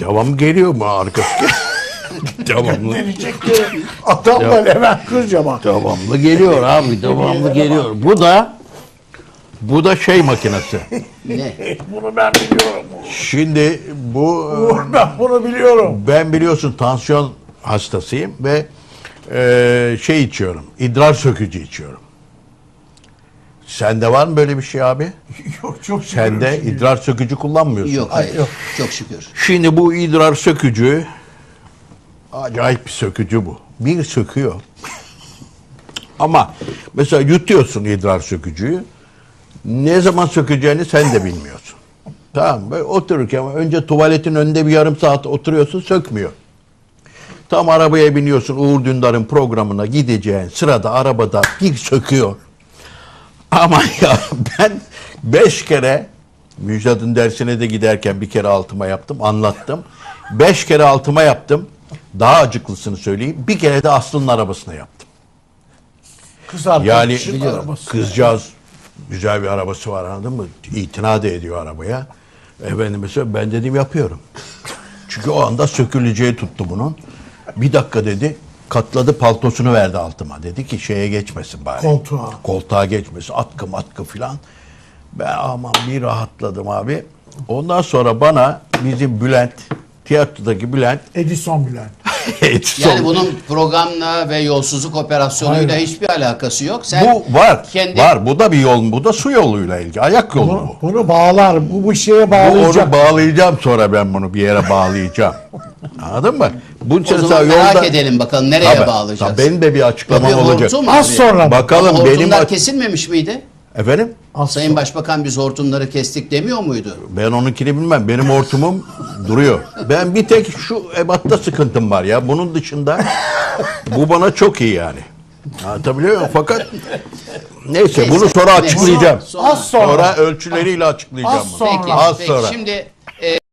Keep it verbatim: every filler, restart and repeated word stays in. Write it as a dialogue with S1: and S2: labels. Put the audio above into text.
S1: Devam geliyor mu arkası? Devamlı.
S2: Adamla Levent Kırcaman.
S1: Devamlı geliyor abi. Devamlı geliyor. Bu da bu da şey makinesi.
S3: Ne?
S2: Bunu ben biliyorum.
S1: Şimdi bu
S2: Ben bunu biliyorum.
S1: ben biliyorsun tansiyon hastasıyım ve e, şey içiyorum. İdrar sökücü içiyorum. Sende var mı böyle bir şey abi?
S2: Yok çok şükür.
S1: Sen de
S2: öyle şey
S1: idrar sökücü kullanmıyorsun.
S3: Yok hayır.
S2: yok.
S3: Çok şükür.
S1: Şimdi bu idrar sökücü acayip bir sökücü bu. Bir söküyor. Ama mesela yutuyorsun idrar sökücüyü. Ne zaman sökeceğini sen de bilmiyorsun. Tamam böyle otururken önce tuvaletin önünde bir yarım saat oturuyorsun, sökmüyor. Tam arabaya biniyorsun, Uğur Dündar'ın programına gideceğin sırada arabada bir söküyor. Ama ya ben beş kere Müjdat'ın dersine de giderken bir kere altıma yaptım, anlattım. Beş kere altıma yaptım. Daha acıklısını söyleyeyim. Bir kere de Aslı'nın arabasına yaptım.
S2: Kız
S1: Yani
S2: arkadaşın arabası.
S1: kızcağız güzel bir arabası var, anladın mı? İtina da ediyor arabaya. Efendim mesela ben dedim yapıyorum. Çünkü o anda söküleceği tuttu bunun. Bir dakika dedi. Katladı, paltosunu verdi altıma. Dedi ki şeye geçmesin bari.
S2: Koltuğa.
S1: Koltuğa geçmesin. Atkı matkı filan. Ben aman bir rahatladım abi. Ondan sonra bana bizim Bülent, tiyatrodaki Bülent
S2: Edison Bülent.
S3: Yani bunun programla ve yolsuzluk operasyonuyla
S2: Hayır.
S3: hiçbir alakası yok. Sen
S1: bu var.
S3: kendi
S1: Var. Bu da bir yol. Bu da su yoluyla ilgili. Ayak yolu
S2: Bunu,
S1: bu.
S2: bunu bağlar. Bu bu şeye
S1: Bu
S2: bağlayacak.
S1: onu bağlayacağım, sonra ben bunu bir yere bağlayacağım. Anladın mı? Bunun için
S3: o zaman
S1: mesela
S3: merak
S1: yolda-
S3: edelim bakalım nereye
S1: Tabii,
S3: bağlayacağız.
S1: tabii benim de bir açıklamam
S3: Bir
S1: olacak.
S3: hortum
S2: Az
S3: abi.
S2: sonra.
S1: Bakalım
S3: Ama
S1: benim
S3: hortumlar
S1: aç-
S3: kesilmemiş miydi?
S1: Efendim?
S2: Az
S3: Sayın
S2: sonra.
S3: Başbakan biz hortumları kestik demiyor muydu?
S1: Ben onunkini bilmem. Benim hortumum duruyor. Ben bir tek şu ebatta sıkıntım var ya. Bunun dışında bu bana çok iyi yani. Anlatabiliyor muyum? Fakat neyse,
S3: Neyse,
S1: bunu sonra
S3: neyse.
S1: açıklayacağım.
S3: Sonra-
S2: Az sonra.
S1: Sonra ölçüleriyle açıklayacağım
S2: Az
S1: bunu.
S2: sonra.
S3: Peki,
S1: Az
S3: peki.
S1: sonra.
S3: Şimdi